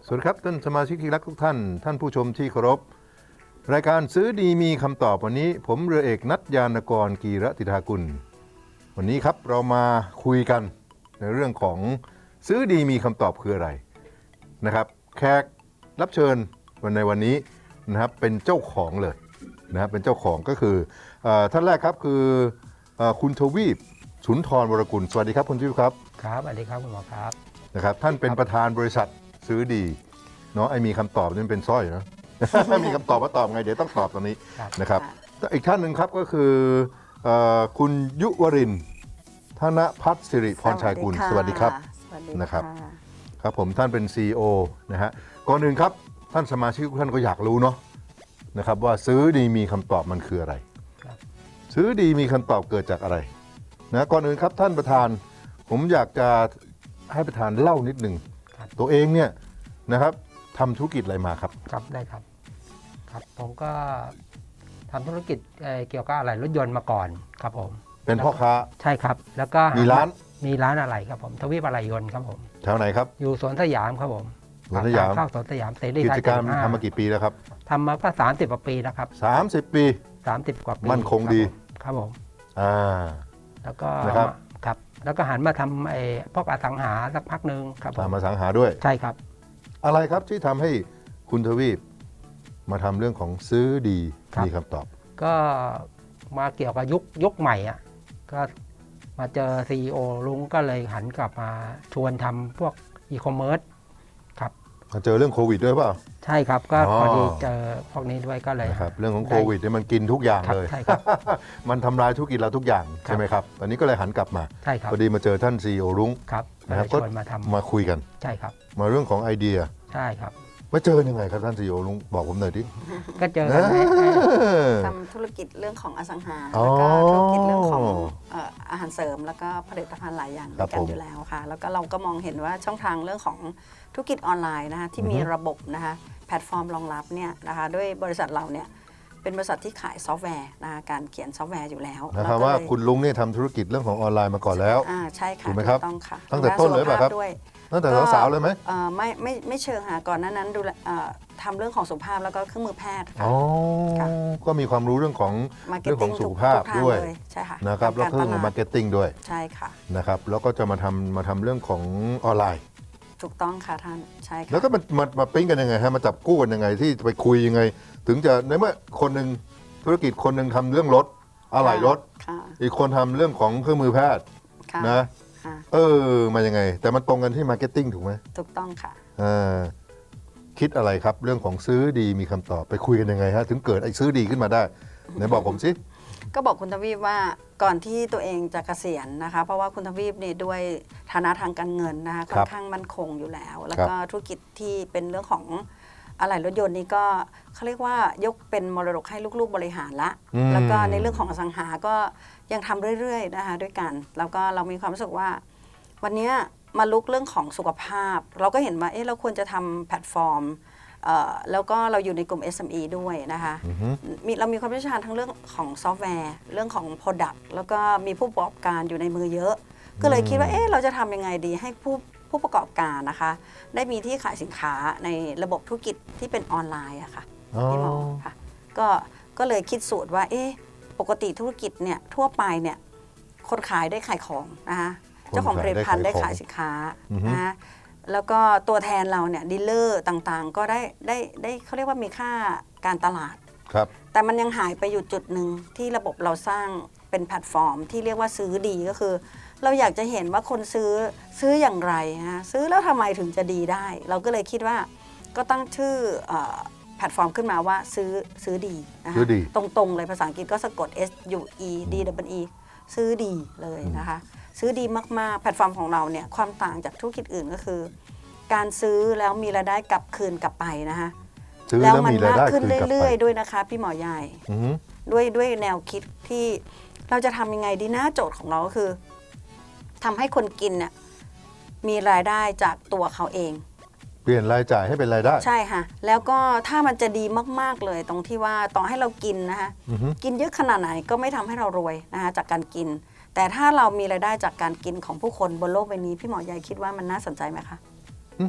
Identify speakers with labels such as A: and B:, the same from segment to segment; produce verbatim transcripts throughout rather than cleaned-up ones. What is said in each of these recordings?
A: สวัสดีครับท่านสมาชิกที่รักทุกท่านท่านผู้ชมที่เคารพรายการซื้อดีมีคำตอบวันนี้ผมเรือเอกนัทยานกรกีรติธากุลวันนี้ครับเรามาคุยกันในเรื่องของซื้อดีมีคำตอบคืออะไรนะครับแขกรับเชิญวันในวันนี้นะครับเป็นเจ้าของเลยนะครับเป็นเจ้าของก็คือท่านแรกครับคือคุณทวีปสุนทรวรกุลสวัสดีครับคุณทวีปครับ
B: ครับสวัสดีครับคุณหมอครับ
A: นะครับท่านเป็นประธานบริษัทซื้อดีเนาะไอ้มีคำตอบนี่เป็นสร้อยนะ มีคำตอบว่าตอบไงเดี๋ยวต้องตอบตรงนี้นะครับอีกท่านหนึ่งครับก็คือคุณยุวรินทร์ธนพัฒน์สิริพรชัยกุลสวัสดีครับนะครับครับผมท่านเป็น ซี อี โอ นะฮะก่อนอื่นครับท่านสมาชิกทุกท่านก็อยากรู้เนาะนะครับว่าซื้อดีมีคำตอบมันคืออะไรซื้อดีมีคำตอบเกิดจากอะไรนะก่อนอื่นครับท่านประธานผมอยากจะให้ประธานเล่านิดหนึ่งตัวเองเนี่ยนะครับทำธุรกิจอะไรมาครับ
B: ครับได้ครับครับผมก็ทำธุรกิจเกี่ยวกับอะไรรถยนต์มาก่อนครับผม
A: เป็นพ่อค้า
B: ใช่ครับแล้วก็
A: มีร้าน
B: มีร้านอะไรครับผมทวีปอะไรยนต์ครับผม
A: แถวไหนครับ
B: อยู่สวนสยามครับผม
A: สวนสยาม
B: ข้าวสวนสยามเสรี
A: กิจการทำมากี่ปีแล้วครับ
B: ทำมาก็สามสิบกว่าปีแล้วครับ
A: สามสิบปี
B: สามสิบกว่าปี
A: มั่นคงดี
B: ครับผม
A: อ่า
B: แล้วก็ครับแล้วก็หันมาทำไอ้พวกอสังหาสักพักหนึ่งครับ
A: ทำมาสังหาด้วย
B: ใช่ครับ
A: อะไรครับที่ทำให้คุณทวีปมาทำเรื่องของซื้อดีมีคำตอบ
B: ก็มาเกี่ยวกับยุคยุคใหม่อ่ะก็มาเจอ ซี อี โอ ลุงก็เลยหันกลับมาชวนทำพวกอีคอมเมิร์ซครับ
A: มาเจอเรื่องโควิดด้วยเปล่า
B: ใช่ครับก็พอดีเจอพวกนี้ด้วยก็เลย
A: ครับเรื่องของโควิดเนี่ยมันกินทุกอย่างเลย
B: ใช่ครับ
A: มันทำลายธุรกิจเราทุกอย่างใช่ไหมครับตอนนี้ก็เลยหันกลับมา
B: ใช่ครับ
A: พอดีมาเจอท่าน ซี อี โอ ลุง
B: ครับ
A: นะครับก็
B: มาทำ
A: มาคุยกัน
B: ใช่ครับ
A: มาเรื่องของไอเดีย
B: ใช่ครับ
A: มาเจอยังไงครับท่าน ซี อี โอ ลุงบอกผมหน่อยดิ
B: ก็เจอกัน
C: ทำธุรกิจเรื่องของอสังหาแล้วก็ธุรกิจเรื่องของอาหารเสริมแล้วก็ผลิตภัณฑ์หลายอย่างด้วยกันอยู่แล้วค่ะแล้วก็เราก็มองเห็นว่าช่องทางเรื่องของธุรกิจออนไลน์นะคะที่มีระบบนะคะแพลตฟอร์มรองรับเนี่ยนะคะด้วยบริษัทเราเนี่ยเป็นบริษัทที่ขายซอฟต์แวร์นะคะการเขียนซอฟต์แวร์อยู่แล้ว
A: นะครับว่าคุณลุงเนี่ยทำธุรกิจเรื่องของออนไลน์มาก่อนแล้ว
C: อ่าใช่ค่ะ
A: ถูกไหมครับ
C: ต้องค่ะ
A: ตั้งแต่ต้นเลยป่ะครับตั้งแต่สาวๆเลยไหม
C: ไม่ไม่ไม่เชิงค่ะก่อนหน้านั้นดูทำเรื่องของสุขภาพแล้วก็เครื่องมือแพทย์ค่ะ
A: ก็มีความรู้เรื่องของเรื่องของสุขภาพด้วย
C: ใช่ค่ะ
A: นะครับแล้วก็เรื่องของมาร์เก็ตติ้งด้วย
C: ใช่ค่ะ
A: นะครับแล้วก็จะมาทำมาทำเรื่องของออนไลน์
C: ถูกต้องค่ะท่านใช่ค่ะ
A: แล้วก็มามามาปิ้งกันยังไงฮะมาจับกู้กันยังไงที่ไปคุยยังไงถึงจะในเมื่อคนหนึ่งธุรกิจคนหนึ่งทำเรื่องรถอะไหล่รถอีกคนทำเรื่องของเครื่องมือแพทย์นะเออมายังไงแต่มันตรงกันที่มาร์เก็ตติ้งถูกไหม
C: ถูกต้องค่ะ
A: อ่าคิดอะไรครับเรื่องของซื้อดีมีคำตอบไปคุยกันยังไงฮะถึงเกิดไอ้ซื้อดีขึ้นมาได้ไหนบอกผมสิ
C: ก็บอกคุณทวีปว่าก่อนที่ตัวเองจะเกษียณนะคะเพราะว่าคุณทวีปนี่ด้วยฐานะทางการเงินนะคะค่อนข้างมั่นคงอยู่แล้วแล้วก็ธุรกิจที่เป็นเรื่องของอะไหล่รถยนต์นี่ก็เขาเรียกว่ายกเป็นมรดกให้ลูกๆบริหารละแล้วก็ในเรื่องของอสังหาก็ยังทำเรื่อยๆนะคะด้วยกันแล้วก็เรามีความรู้สึกว่าวันนี้มาลุกเรื่องของสุขภาพเราก็เห็นว่าเอ๊ะเราควรจะทำแพลตฟอร์มแล้วก็เราอยู่ในกลุ่ม เอส เอ็ม อี ด้วยนะคะมีเรามีความเชี่ยวชาญทั้งเรื่องของซอฟต์แวร์เรื่องของ Product แล้วก็มีผู้ประกอบการอยู่ในมือเยอะก็เลยคิดว่าเอ๊ะเราจะทำยังไงดีให้ผู้ผู้ประกอบการนะคะได้มีที่ขายสินค้าในระบบธุรกิจที่เป็นออนไลน์อะค่ะพี่หมอค่ะก็ก็เลยคิดสูตรว่าเอ๊ะปกติธุรกิจเนี่ยทั่วไปเนี่ยคนขายได้ขายของนะคะเจ้าของผลิตภัณฑ์ได้ขายสินค้านะแล้วก็ตัวแทนเราเนี่ยดีลเลอร์ต่างๆก็ได้ได้ได้เขาเรียกว่ามีค่าการตลาด
A: ครับ
C: แต่มันยังหายไปอยู่จุดหนึ่งที่ระบบเราสร้างเป็นแพลตฟอร์มที่เรียกว่าซื้อดีก็คือเราอยากจะเห็นว่าคนซื้อซื้ออย่างไรฮะซื้อแล้วทำไมถึงจะดีได้เราก็เลยคิดว่าก็ตั้งชื่อแพลตฟอร์มขึ้นมาว่าซื้อซื้อดีนะคะตรงๆเลยภาษาอังกฤษก็สะกด S U E D W E ซื้อดีเลยนะคะซื้อดีมากๆแพลตฟอร์มของเราเนี่ยความต่างจากธุรกิจอื่นก็คือการซื้อแล้วมีรายได้กลับคืนกลับไปนะคะแล้วมันมากขึ้นเรื่อยๆด้วยนะคะพี่หมอใหญ่ด้วยด้วยแนวคิดที่เราจะทำยังไงดีนะโจทย์ของเราก็คือทำให้คนกินเนี่ยมีรายได้จากตัวเขาเอง
A: เปลี่ยนรายจ่ายให้เป็นรายได้
C: ใช่ค่ะแล้วก็ถ้ามันจะดีมากๆเลยตรงที่ว่าต่อให้เรากินนะคะกินเยอะขนาดไหนก็ไม่ทำให้เรารวยนะคะจากการกินแต่ถ้าเรามีรายได้จากการกินของผู้คนบนโลกใบนี้พี่หมอใหญ่คิดว่ามันน่าสนใจไหมคะ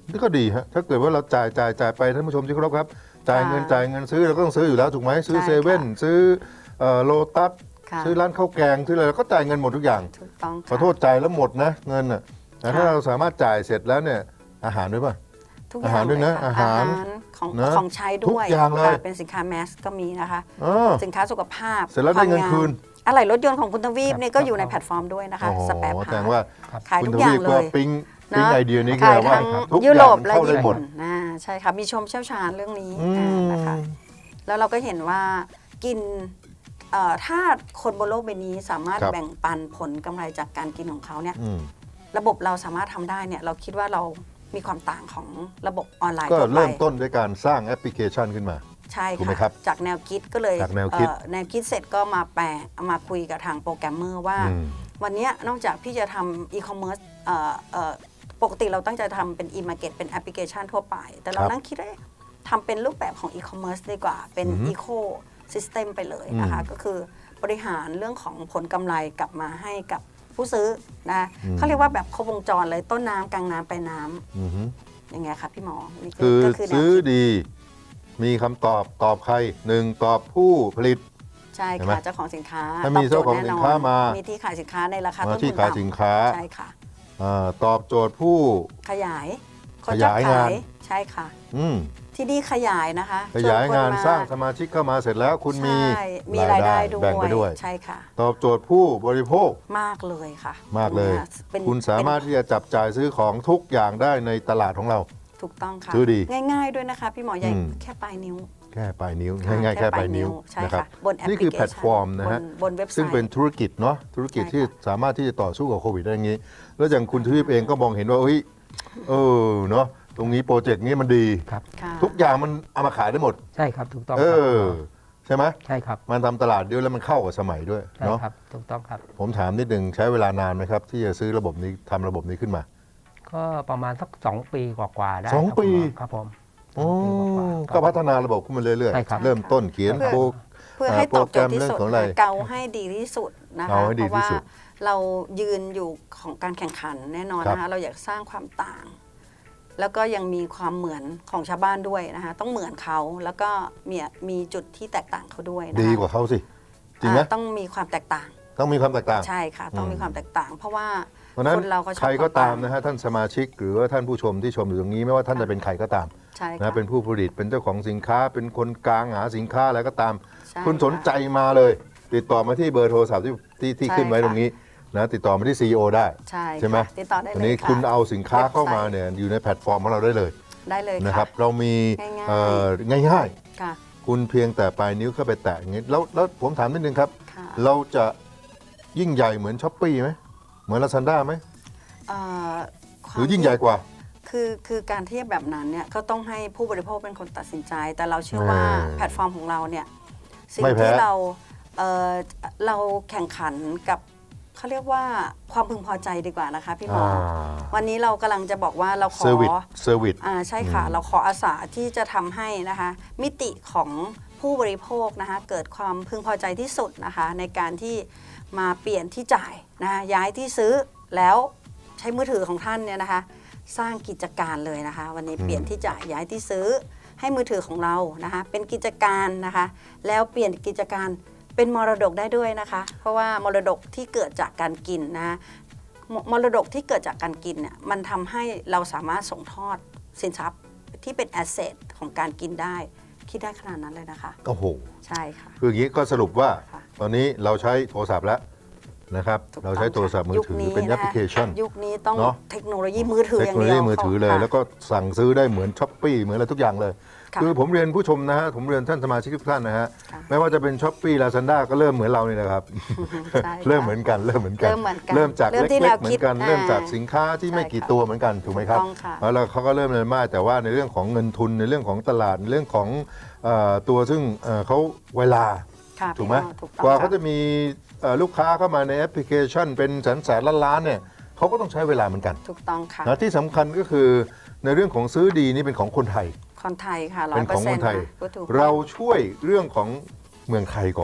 A: นี่ก็ดีฮะถ้าเกิดว่าเราจ่ายจ่ายจ่ายไปท่านผู้ชมที่เคารพครับจ่ายเงินจ่ายเงินซื้อเราก็ต้องซื้ออยู่แล้วถูกไหมซื้อ
C: ใช่
A: เซเว่น
C: ค่ะ
A: ซื้อโลตัส
C: ค่ะ
A: ซื้อร้านข้าวแกงซื้ออะไรเราก็จ่ายเงินหมดทุกอย่าง
C: ถูกต้อง
A: ขอโทษจ่ายแล้วหมดนะเงินอ่ะแต่ถ้า
C: ค่ะ
A: เราสามารถจ่ายเสร็จแล้วเนี่ยอาหารด้วยป่ะ
C: ทุกอ
A: อา
C: ย่า
A: หารงด้วยนะ
C: เลค่
A: อาหาร
C: ของ
A: นะ
C: ของใช้
A: ทุ
C: ด้
A: ก
C: วย
A: อย่างเลย
C: ค่ะเป็นสินค้าแมสก็มีนะคะ
A: เออ
C: สินค้าสุขภาพ
A: เสร็จแล้วได้เงิน
C: วาม
A: คืน
C: อะไหล่รถยนต์ของคุณทวีป
B: ครับ
C: เนี่ยก็อยู่ในแพลตฟอร์มด้วยนะคะ
A: โอ้โห
C: สแปร์พา
A: แสด
C: ร์
A: ง
C: ท
A: ว่า
C: ขาย
A: คุ
C: ทุ
A: ณ
C: ก
A: ท
C: อย่า
A: วี
C: ง
A: ป
C: เล
A: ก็
C: ย
A: ปิ๊ง
C: นะ
A: ปิ๊งไอเดียนี้แก
C: ขาย
A: ว่า
C: ทั้ง
A: ทุก
C: ยุ
A: อ
C: โร
A: ย่าง
C: ป
A: มัน
C: และ
A: เข้าได้
C: ญี่
A: หมด
C: ปุ่นนะใช่ค่ะมีชมเชี่ยวชาญเรื่องนี้
A: อืม
C: อ่านะคะแล้วเราก็เห็นว่ากินเอ่อถ้าคนบนโลกใบนี้สามารถ
A: ครับ
C: แบ่งปันผลกำไรจากการกินของเขาเนี่ย
A: อืม
C: ระบบเราสามารถทำได้เนี่ยเราคิดว่าเรามีความต่างของระบบออนไลน์
A: ก็
C: ทั่วไป
A: เริ่มต้นด้วยการสร้างแอปพลิเคชันขึ้นมา
C: ใช่
A: ถูกไหม
C: ค่ะ
A: ครับ
C: จากแนวคิดก็เลย
A: จากแนวคิด
C: เอ่อแนวคิดเสร็จก็มาแปลเอามาคุยกับทางโปรแกรมเมอร์ว่า
A: อืม
C: วันเนี้ยนอกจากพี่จะทำอีคอมเมิร์ซเอ่อเอ่อปกติเราตั้งใจทำเป็นอีมาร์เก็ตเป็นแอปพลิเคชันทั่วไป แต่เรา
A: ครับ
C: นั่งคิดว่าเอ๊ะทำเป็นรูปแบบของอีคอมเมิร์ซดีกว่า เป็น
A: อือฮึ
C: อีโคซิสเต็มไปเลยนะคะ
A: อืม
C: ก็คือบริหารเรื่องของผลกำไรกลับมาให้กับผู้ซื้อนะ
A: อืม
C: เขาเรียกว่าแบบครบวงจรเลยต้นน้ำกลางน้ำปลายน้ำ
A: อือฮึ
C: ยังไงคะพี่หมอนี่
A: คือ
C: ก็คือแนว
A: ซื้อ
C: คิด
A: ดี มีคำตอบตอบใครหนึ่งตอบผู้ผลิต
C: ใช่
A: เห็นไหม
C: ค่ะเจ้าของสินค้า
A: ถ้ามี
C: ตบโจทย์
A: เจ้าของ
C: แน่นน
A: สินค้ามา
C: มีที่ขายสินค้าในราคา
A: มา
C: ต้น
A: ที่
C: ทุน
A: ขายสิน
C: ต่ำ
A: ค้า
C: ใช่ค่ะ
A: อ่าตอบโจทย์ผู้
C: ขยายคน
A: ข
C: ชอบ
A: ยาย
C: ขาง
A: าน
C: ยใช่ค่ะ
A: อืม
C: ที่นี่ขยายนะคะ
A: ขยาย
C: ชวค
A: งาน
C: ม
A: สร้างสมาชิกเข้ามาเสร็จแล้วคุณมี
C: ใช่มีรายได้ด้วย
A: แบ่งไปด้วย
C: ใช่ค่ะ
A: ตอบโจทย์ผู้บริโภค
C: มากเลยค่ะ
A: มากเลย
C: เป็น
A: คุณสามารถที่จะจับจ่ายซื้อของทุกอย่างได้ในตลาดของเรา
C: ถูกต้องค่ะ
A: ซื้อดี
C: ง่ายๆด้วยนะคะพี่หมอใหญ่
A: อืม
C: แค่ปลายนิ้ว
A: แค่ปลายนิ้ว
C: ค่ะ
A: ง่ายๆแค่ปลายนิ้ว
C: ใช่
A: นะครับ
C: ค่ะบนแอปพลิ
A: นี่
C: เคชัน
A: คือแพลตฟอร์มนะฮะ
C: บบนเว็บไซต์
A: ซึ่งเป็นธุรกิจเนาะธุรกิจ
C: ใช่ค่ะ
A: ที่สามารถที่จะต่อสู้กับโควิดได้อย่างนี้ แล้วอย่างคุณทวีปเองก็มองเห็นว่าเฮ้ยเออเนาะตรงนี้โปรเจกต์นี้มันดี
B: ครับ
C: ค่ะ
A: ทุกอย่างมันเอามาขายได้หมด
B: ใช่ครับถูกต้อง
A: เอ
B: ครับ
A: อ ใช่ไหม
B: ใช่ครับ
A: มันทำตลาดเดียวแล้วมันเข้ากับสมัยด้วย
B: ใช่
A: เนาะ
B: ครับถูกต้องครับ
A: ผมถามนิดนึงใช้เวลานานไหมครับ ที่จะซื้อระบบนี้ทำระบบนี้ขึ้นมา
B: ก็ประมาณสักสองปีกว่าๆได้
A: สอง
B: ครับ
A: ปี
B: คุณหมอครับผมส
A: โอ้
B: องปีกว่าๆ
A: ก็พัฒนาระบบขึ้นมาเรื่อย
B: ใช่ครับ
A: ๆ เริ่มต้นเขียน
C: เพื่อ
A: โปร
C: เพื่อให้ตอบโจทย์ที่สุด
A: โปรแกรมเรื่องของอะไร
C: เกาให้ดีที่สุดนะคะ
A: เกาให้ดี
C: เพราะ
A: ที่
C: ว่า
A: สุด
C: เรายืนอยู่ของการแข่งขันแน่นอน
A: ครับ
C: นะคะเราอยากสร้างความต่าง แล้วก็ยังมีความเหมือนของชาวบ้านด้วยนะคะต้องเหมือนเขาแล้วก็มีมีจุดที่แตกต่างเขาด้วยนะคะ
A: ดีกว่าเขาสิ จริงไหม
C: อ่าต้องมีความแตกต่าง
A: ต้องมีความแตกต่าง
C: ใช่ค่ะ ต้อง
A: อืม
C: มีความแตกต่าง เพราะว่า
A: เพราะฉะนั้น
C: คนเราก็ชอบ
A: ใครก็ตาม
C: ความต่าง
A: นะฮะท่านสมาชิก หรือว่าท่านผู้ชมที่ชมอยู่ตรงนี้ไม่ว่าท่านจะเป็นใครก็ตาม
C: ใช่ค่ะ
A: นะเป็นผู้ผลิตเป็นเจ้าของสินค้า เป็นคนกลางหาสินค้าอะไรก็ตาม
C: ใช่
A: คุณสนใจ
C: ค่ะ
A: มาเลย ติดต่อมาที่เบอร์โทรศัพท์ที่ที่ที่
C: ใช่
A: ขึ้นไว้
C: ค่ะ
A: ตรงนี้นะติดต่อมาที่ ซี อี โอ ได้
C: ใช่
A: ใช่ไหม
C: ค่ะติดต่อได้
A: ที
C: เลย
A: นี้
C: ค่ะ
A: คุณเอาสินค้าเข้ามา
C: เว็บไซต์
A: เนี่ยอยู่ในแพลตฟอร์มของเราได้เลย
C: ได้เลย
A: นะค
C: ค่ะ
A: รับเรามี
C: ง่ายๆ
A: เอ่อง่าย
C: ค่ะ
A: ๆ คุณเพียงแต่ปลายนิ้วเข้าไปแตะอย่างนี้แล้วแล้วผมถามนิดนึงครับ
C: ค่ะ
A: เราจะยิ่งใหญ่เหมือนช้อปปี้ไหมเหมือนลาซาด้าไหม
C: เอ่อควา
A: ห
C: ม
A: รือยิ่งใหญ่กว่า
C: คือคือการเทียบแบบนั้นเนี่ยก็ต้องให้ผู้บริโภคเป็นคนตัดสินใจ แต่เราเชื่อว่า
A: เออ
C: แพลตฟอร์มของเราเนี่ยสิ่ง
A: ไม่แพ้
C: ที่เราเอ่อเราแข่งขันกับเขาเรียกว่าความพึงพอใจดีกว่านะคะพี่หมออวันนี้เรากำลังจะบอกว่าเราขอ
A: เซอร์วิสเซอร์วิส
C: อ่าใช่ค่ะ
A: อืม
C: เราขออาสาที่จะทำให้นะคะมิติของผู้บริโภคนะคะเกิดความพึงพอใจที่สุดนะคะในการที่มาเปลี่ยนที่จ่ายนะคะย้ายที่ซื้อแล้วใช้มือถือของท่านเนี่ยนะคะสร้างกิจการเลยนะคะ วันนี้เปลี่ยนที่จ่ายย้ายที่ซื้อให้มือถือของเรานะคะเป็นกิจการนะคะแล้วเปลี่ยนกิจการเป็นมรดกได้ด้วยนะคะ เพราะว่ามรดกที่เกิดจากการกินนะคะ มมรดกที่เกิดจากการกินเนี่ยมันทำให้เราสามารถส่งทอดสินทรัพย์ที่เป็นแอสเซทของการกินได้ คิดได้ขนาดนั้นเลยนะคะ
A: โอ้โห
C: ใช่ค่ะ
A: คืออย่างนี้ก็สรุปว่า
C: ค่ะ
A: ตอนนี้เราใช้โทรศัพท์แล้วนะครับ
C: ถูก
A: เราใช้
C: ต้อง
A: โทรศัพท์มือถือ
C: ยุค
A: เป็นแอปพลิเคชัน
C: ยุคนี้ต้อง
A: เนอะ
C: เทคโนโลยีมือถือ
A: เท
C: อ
A: ค
C: ย่าง
A: โนโล
C: เดียว
A: ยีมือถือเลย
C: ค่ะ
A: แล้วก็สั่งซื้อได้เหมือนช้อปปี้เหมือนอะไรทุกอย่างเลย
C: ค่ะ
A: คือผมเรียนผู้ชมนะฮะผมเรียนท่านสมาชิกทุกท่านนะฮะ
C: ค่ะ
A: ไม่ว่าจะเป็นช้อปปี้ลาซาด้าก็เริ่มเหมือนเรานี่แหละครับ
C: ใช่ค่ะ
A: เริ่มเหมือนกันเริ่มเหมือนกัน
C: เริ่มเหมือนกัน
A: เริ่มจาก
C: เริ่ม
A: เล็
C: ที่แน
A: ก
C: ว
A: ๆเหมือ
C: คิด
A: นกัน
C: อ่า
A: เริ่มจากสินค้าที่ไม่
C: ใช่
A: กี่
C: ค่ะ
A: ตัวเหมือนกันถูกไหมครับ
C: ถูกต้องค่ะ
A: แล้วเขาก็เริ่มเรียนมากแต่ว่าในเรื่องของเงินทุนในเรื่องของตลาดในเรื่องของเอ่อตัวซึ่งเอ่อเขาเวลา
C: ค่ะ
A: ถูกไหม
C: พี่น้องถูกต้อง
A: กว่า
C: ค่ะ
A: เขาจะมีเอ่อลูกค้าเข้ามาในแอปพลิเคชันเป็นแสนแสนล้านล้านๆเนี่ยเขาก็ต้องใช้เวลาเหมือนกัน
C: ถูกต้องค่ะ
A: นะที่สำคัญก็คือในเรื่องของซื้อดีนี่เป็นของคนไทย
C: คนไทยค่ะร้อ
A: เป็
C: ย
A: น
C: เปอ
A: ของ
C: ร์เซ็
A: คน น
C: ต์
A: ไทย
C: พูดถูก
A: เราช่วยเรื่องของเมืองไทยก่อน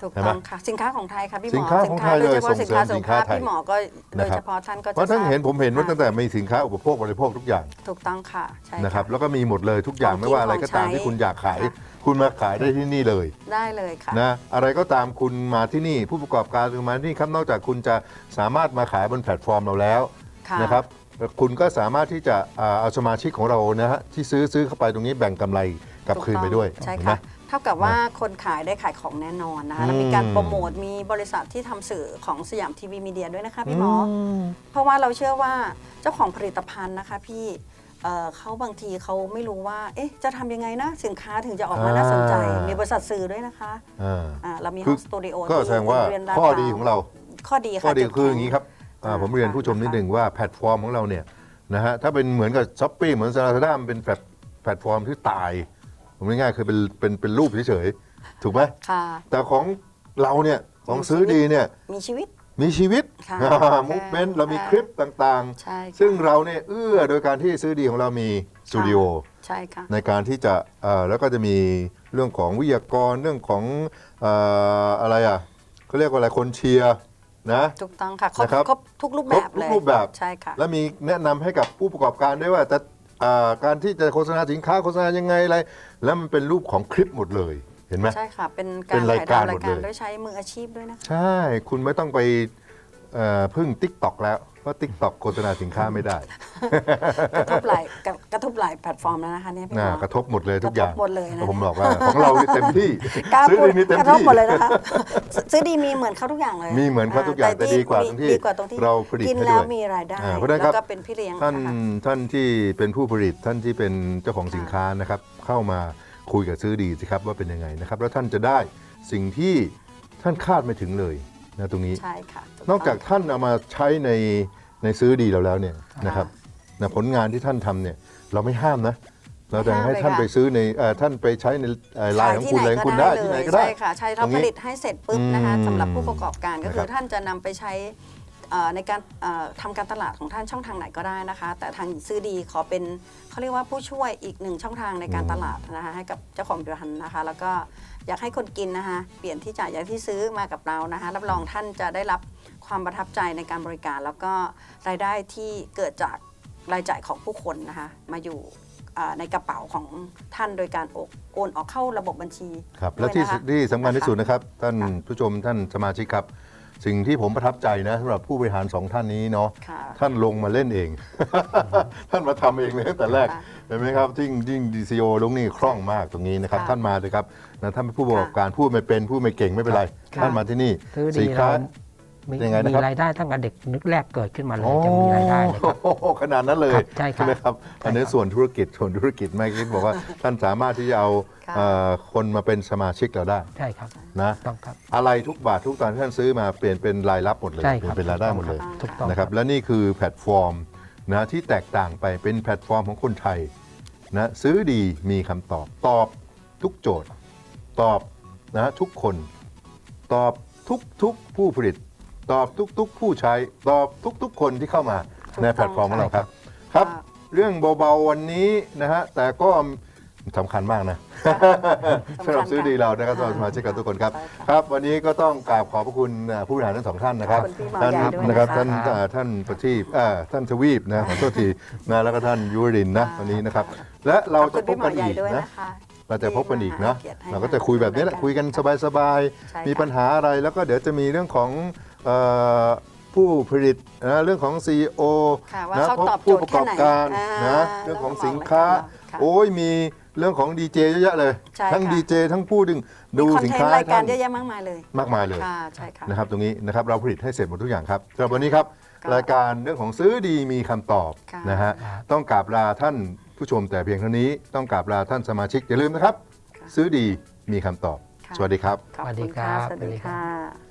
C: ถูก
A: ใช่ไหม
C: ต้องค่ะสินค้าของไทยค่ะพี่หมอ
A: สินค้าของไทยเลย
C: โดยเฉพาะสินค้า
A: ส่
C: สุ
A: ง
C: ข
A: เสริม
C: ภาพ
A: สินค้าไทย
C: พี่หมอก็โดย
A: นะครับ
C: เฉพาะท่านก็จะ
A: เพราะท่านเห็นผมเห็นว่า
C: ค่ะ
A: ตั้งแต่มีสินค้าอุปโภคบริโภคทุกอย่าง
C: ถูกต้องค่ะใช่
A: นะครับ
C: ค่ะ
A: แล้วก็มีหมดเลยทุกอย่าง
C: ของกิน
A: ไม่ว่าอะไรก็ตาม
C: ของใช้
A: ที่คุณอยากขาย
C: ค่ะ
A: คุณมาขายได้ที่นี่เลย
C: ได้เลยค่ะ
A: นะอะไรก็ตามคุณมาที่นี่ผู้ประกอบการคุณมาที่นี่ครับนอกจากคุณจะสามารถมาขายบนแพลตฟอร์มเราแล้ว
C: ค่ะ
A: นะครับคุณก็สามารถที่จะอ่าเอาสมาชิกของเรานะฮะที่ซื้อซื้อเข้าไปตรงนี้แบ่งกำไรกลับคืนไปด้วย
C: ใช่
A: เห็นไหม
C: ค่ะ เท่ากับว่าคนขายได้ขายของแน่นอนนะคะแล้วมีการ
A: อืม
C: โปรโมทมีบริษัทที่ทำสื่อของสยามทีวีมีเดียด้วยนะคะพี่หมออ
A: ม
C: เพราะว่าเราเชื่อว่าเจ้าของผลิตภัณฑ์นะคะพี่เอ่อเขาบางทีเขาไม่รู้ว่า เอ๊ะ จะทำยังไงนะสินค้าถึงจะออกมา
A: อ่า
C: น่าสนใจ มีบริษัทสื่อด้วยนะคะ
A: อ่า
C: อ่าเรามี
A: คื
C: ห้
A: อ
C: องสตูดิโอ
A: ก็
C: ที่
A: แสดงว่า
C: โรงเรียนลาด
A: ข้อ
C: พร้ว
A: ดีของเรา
C: ข้อดีค่ะ
A: ข้อดี
C: จุ
A: คือ
C: แข็
A: อย่างนี้ครับอ่า
C: อ่า
A: ผมเรียนผู้ชมนิดหนึ่งว่าแพลตฟอร์มของเราเนี่ยนะฮะถ้าเป็นเหมือนกับช้อปปี้เหมือนซาลาด้ามันเป็นแพลตแพลตฟอร์มที่ตาย ผมง่ายๆคือเป็นเป็นเป็นรูปเฉยๆถูกไหม
C: ค่ะ
A: แต่ของเราเนี่ยของ
C: มี
A: ซื้อ
C: ชีวิต
A: ดีเนี่ย
C: มีชีวิต
A: มีชีวิต
C: ค่ะ
A: มูฟเมนต์เรามีคลิปต่าง
C: ใช่
A: ๆ
C: ค่ะ
A: ซึ่งเราเนี่ยเอื้อโดยการที่ซื้อดีของเรามีสตูดิโอ
C: ใช่ค่ะ
A: ในการที่จะเอ่อแล้วก็จะมีเรื่องของวิทยากรเรื่องของเอ่ออะไรอ่ะเขาเรียกว่าอะไรคนเชียร์นะ
C: ถูกต้องค่ะครบ
A: นะครับ
C: ครบทุกรูปแบบ
A: ครบทุก
C: เลย
A: รูปแบบ
C: ใช่ค่ะ
A: และมีแนะนำให้กับผู้ประกอบการด้วยว่าจะเอ่อการที่จะโฆษณาสินค้าโฆษณายังไงอะไร แล้วมันเป็นรูปของคลิปหมดเลยเห็นไหม
C: ใช่ค่ะ เป็น
A: เป็
C: การ
A: นราย
C: ถ่าย
A: การ
C: ทำราย
A: หมด
C: การ
A: เลย
C: ด้วยใช้มืออาชีพด้วยนะคะ
A: ใช่ คุณไม่ต้องไปเอ่อพึ่ง ติ๊กต็อก แล้ว เพราะ ติ๊กต็อก โฆษณาสินค้าไม่ได้
C: กระทบหลายกระกระทบหลายแพลตฟอร์มแล้วนะคะเนี่ยพี่หม
A: น่า
C: อก
A: ระทบหมดเลยทุกอย่าง
C: กระทบหมดเลยนะ
A: ผมบอกว่าของเรานี่เต็มที่
C: กล้า
A: ซื้อ
C: พูด
A: ดีนี่เต็ม
C: กระทบ
A: ที่
C: หมดเลยนะคะ ซื้อดีมีเหมือนเขาทุกอย่างเลย
A: มีเหมือนเขาทุกอย่างแต่ดีกว่าตรงที่
C: ดีกว่าตรงที่
A: เราผลิต
C: กิน
A: ให้
C: แล้
A: ด้
C: ว
A: วย
C: มีรายได้
A: อ่าเพราะฉะนั้นค
C: แล้
A: รับ
C: วก็เป็นพี่เลี้ยง
A: ท่าน
C: นะคะ
A: ท่านที่เป็นผู้ผลิตท่านที่เป็นเจ้าของสินค้านะครับ เข้ามาคุยกับซื้อดีสิครับว่าเป็นยังไงนะครับ แล้วท่านจะได้สิ่งที่ท่านคาดไม่ถึงเลยนะตรงนี้
C: ใช่ค่ะถู
A: นอกจาก
C: ต้ง
A: ท่านเอามาใช้ในในซื้อดีเราแล้วเนี่ยนะครับนะผลงานที่ท่านทำเนี่ยเราไม่ห้ามนะ เราจะให้ท่านไปซื้อในเอ่อท่านไปใช้ในเอ่อไลน์ของคุณอะไรของคุณได้ที่ไหนก็ได้
C: ใช่ค่ะใช่เรา
A: ตรงนี้
C: ผลิตให้เสร็จปุ๊บนะคะ
A: อืม
C: สำหรับผู้ประกอบการก็คื
A: นะครั
C: อบ ท่านจะนำไปใช้เอ่อในการเอ่อทำการตลาดของท่านช่องทางไหนก็ได้นะคะ แต่ทางซื้อดีขอเป็นเขาเรียกว่าผู้ช่วยอีกหนึ่งช่องทางในการตลาดนะคะให้กับเจ้าของผลิตภัณฑ์นะคะ แล้วก็อยากให้คนกินนะคะ เปลี่ยนที่จ่ายอย่างที่ซื้อมากับเรานะคะ รับรองท่านจะได้รับความประทับใจในการบริการ แล้วก็รายได้ที่เกิดจากรายจ่ายของผู้คนนะคะมาอยู่อ่าในกระเป๋าของท่านโดยการโอนโอนออกเข้าระบบบัญชี
A: ครับ
C: ด้วย
A: และที่
C: นะคะ
A: ที่สำคัญที่สุดนะครับ ท่าน
C: ค่ะ
A: ผู้ชมท่านสมาชิกครับ สิ่งที่ผมประทับใจนะสำหรับผู้บริหารสองท่านนี้เนาะ
C: ค่ะ
A: ท่านลงมาเล่นเอง ท่านมาทำเองเลยตั้งแต่แรก
C: ค่ะ
A: เห็นไหมครับยิ่งยิ่งดีซีโอลงนี่คล่องมากตรงนี้นะครับ
C: ค่ะ
A: ท่านมาเลยครับนะท่านเป็นผู้ประกอบการพูดไม่เป็นพูดไม่เก่งไม่เป็นไร
C: ค่ะ
A: ท่านมาที่นี่
B: ซื้อ
A: สิ
B: ดี
A: น
B: เรา
A: ค้า
B: มี
A: ยังไงนะ
B: มี
A: ครับ
B: รายได้ตั้งแต่เด็กนึกแรกเกิดขึ้นมาเลยจะมีรายได้เลยครับ
A: โอ้โหขนาดนั้นเลย
B: ครับใช่ครับ
A: ไหมครับอันนี้ส่วนธุรกิจส่วนธุรกิจไม่คิดบอกว่าท่านสามารถที่จะเอา
C: ค่ะ
A: เอ่อคนมาเป็นสมาชิกเราได้
B: ใช่ครับ
A: นะ
B: ต้องครับ
A: อะไรทุกบาททุกตอนที่ท่านซื้อมาเปลี่ยนเป็นรายรับหมดเลย
B: ใช่
A: เป
B: ค
A: ลี่ย
B: รับ
A: นเป็นรายได้หมดเลย
B: ถูกต้อง
A: นะครับและนี่คือแพลตฟอร์มนะที่แตกต่างไปเป็นแพลตฟอร์มของคนไทยนะซื้อดีมีคำตอบตอบทุกโจทย์ ตอบนะทุกคนตอบทุกทุกผู้ผลิต ตอบทุกทุกผู้ใช้ตอบทุกทุกคนที่เข้ามา
C: ถูก
A: ใน
C: ต้อง
A: แพลตฟอร์มของเราครับครับ
C: ค่ะ
A: เรื่องเบาๆวันนี้นะฮะแต่ก็สำคัญมากนะ สำหรับซื้อดีเรานะครับสำหรับสมาชิกกับทุกคนครับ
C: ใช่ค่ะ
A: ครับ วันนี้ก็ต้องกราบขอบพระคุณอ่าผู้บริหารทั้งสองท่านนะครับ
C: ขอบคุณพี่หมอ
A: ท่าน
C: ใหญ่ด้วย
A: นะครับ
C: นะคะ
A: ท่านอ่าท่านประทีปอ่าท่านทวีปนะขอโทษทีนะแล้วก็ท่านยุวรินทร์นะ
C: ค่ะ
A: วันนี้นะครับ และเรา
C: ขอบ
A: จะ
C: คุณ
A: พบ
C: พี่หม
A: กั
C: อน ใหญ่
A: อีก
C: ด้วย
A: นะ
C: นะคะ
A: เราจะพบกันอีกนะ
C: ที่มาให้
A: เราก็จะคุยแบบนี้แหละคุยกันสบาย
C: ใช่
A: ๆ
C: ค่ะ
A: มีปัญหาอะไรแล้วก็เดี๋ยวจะมีเรื่องของเอ่อผู้ผลิตนะเรื่องของ ซี อี โอ
C: ค่ะว่า
A: นะ
C: เขาตอบโจ
A: ผู้
C: ทย์
A: ประ
C: แค่
A: กอบ
C: ไหน
A: การ
C: อ่า
A: นะเรื่องของสินค้า
C: ค่ะ
A: โอ้ยมีเรื่องของดีเจเยอะแยะเลย
C: ใช่
A: ทั้ง
C: ค่ะ
A: ดีเจทั้งผู้ดึงดู
C: มีคอน
A: สิน
C: เทน
A: ค้า
C: ต์รายการ
A: ท่น
C: เยอะแยะมากมายเลย
A: มากมายเลย
C: ค่ะใช่ค่ะ
A: นะครับตรงนี้นะครับเราผลิตให้เสร็จหมดทุกอย่างครับสำหรับวันนี้ครับ
C: ค่ะ
A: รายการเรื่องของซื้อดีมีคำตอบ
C: ค่ะ
A: นะฮะ
B: ครับ
A: ต้องกราบลาท่านผู้ชมแต่เพียงเท่านี้ต้องกราบลาท่านสมาชิกอย่าลืมนะครับ
C: ค่ะ
A: ซื้อดีมีคำตอบ
C: ค่ะ
A: สวัสดีครับ
C: ขอบคุณค่ะ
B: ส
C: ส
B: วั
C: วั
B: ส
C: ส
B: ดี
C: ดี
B: ครับ
C: ค่ะ